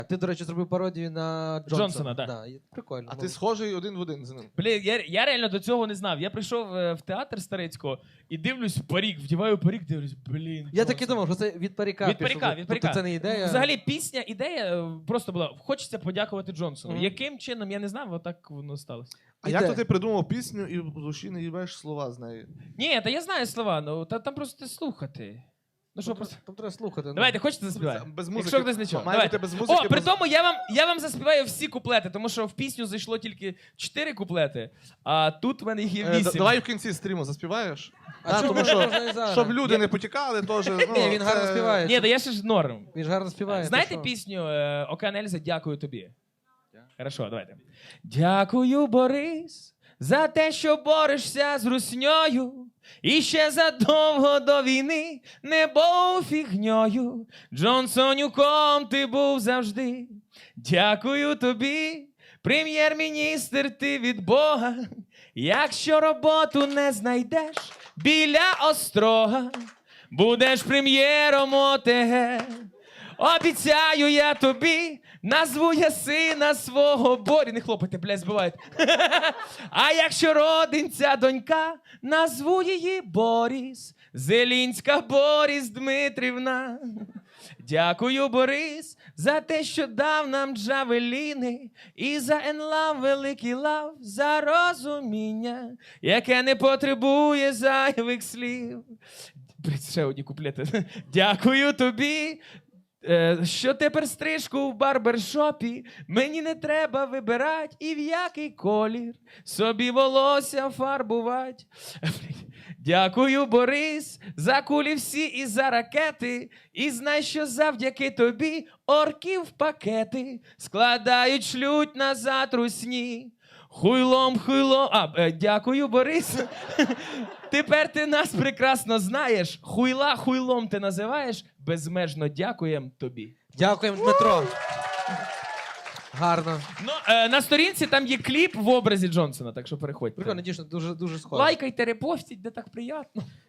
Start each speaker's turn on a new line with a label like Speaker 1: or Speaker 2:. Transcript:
Speaker 1: Ти, до речі, зробив пародію на
Speaker 2: Джонсона, так.
Speaker 1: Да, прикольно.
Speaker 3: А ти схожий один в один з ним.
Speaker 2: Блін, я реально до цього не знав. Я прийшов в театр Старицького і дивлюсь парік, вдіваю парік, дивлюсь, блін.
Speaker 1: Я так і думав, що це від паріка.
Speaker 2: Від паріка,
Speaker 1: пішло.
Speaker 2: від паріка.
Speaker 1: Тобто це не ідея.
Speaker 2: Взагалі, ідея просто була, хочеться подякувати Джонсону.
Speaker 1: Мгм.
Speaker 2: Яким чином, я не знав, отак воно сталося.
Speaker 3: А як то ти придумав пісню і в душі не їбеш слова з неї?
Speaker 2: Ні, та я знаю слова, ну там просто слухати. Ну що, просто...
Speaker 1: Там треба слухати. ну.
Speaker 2: Давайте, хочете заспівати?
Speaker 3: Без музики.
Speaker 2: Якщо хтось не чув.
Speaker 3: Має
Speaker 2: Давайте.
Speaker 3: бути без музики.
Speaker 2: О, при тому я вам заспіваю всі куплети, тому що в пісню зайшло тільки 4 куплети, а тут в мене їх є 8.
Speaker 3: Давай в кінці стріму заспіваєш.
Speaker 1: А чому
Speaker 3: тому що,
Speaker 1: можна і зараз?
Speaker 3: щоб люди не потікали, теж. Ну,
Speaker 1: Ні, він гарно співає.
Speaker 2: Ні, та я ще ж норм.
Speaker 1: Він ж гарно співає.
Speaker 2: Знаєте
Speaker 1: ти що?
Speaker 2: пісню Океан Ельзи «Дякую тобі»? Хорошо, давайте. Дякую, Борис, за те, що борешся з русньою. І ще задовго до війни не був фігньою. Джонсонюком ти був завжди. Дякую тобі, прем'єр-міністр, ти від Бога. Якщо роботу не знайдеш біля Острога, будеш прем'єром ОТГ. Обіцяю я тобі, назву я сина свого Борі. Не хлопайте, блядь, збивають. А якщо родинця донька, назву її Боріс. Зелінська Боріс Дмитрівна. Дякую, Борис, за те, що дав нам джавеліни. І за енлав, великий лав, за розуміння, яке не потребує зайвих слів. Блядь, ще одні куплети. Дякую тобі, що тепер стрижку в барбершопі мені не треба вибирати і в який колір собі волосся фарбувати. Дякую, Борис, за кулі всі і за ракети. І знай, що завдяки тобі орків пакети складають, шлють назад русні. Хуйлом. Дякую, Борис. Тепер ти нас прекрасно знаєш. Хуйлом ти називаєш. Безмежно дякуєм тобі.
Speaker 1: Дякуємо, Дмитро. Гарно.
Speaker 2: Ну, на сторінці там є кліп в образі Джонсона, так що переходьте.
Speaker 1: Прикольно, дійсно, дуже схоже.
Speaker 2: Лайкайте, репостіть, де так приємно.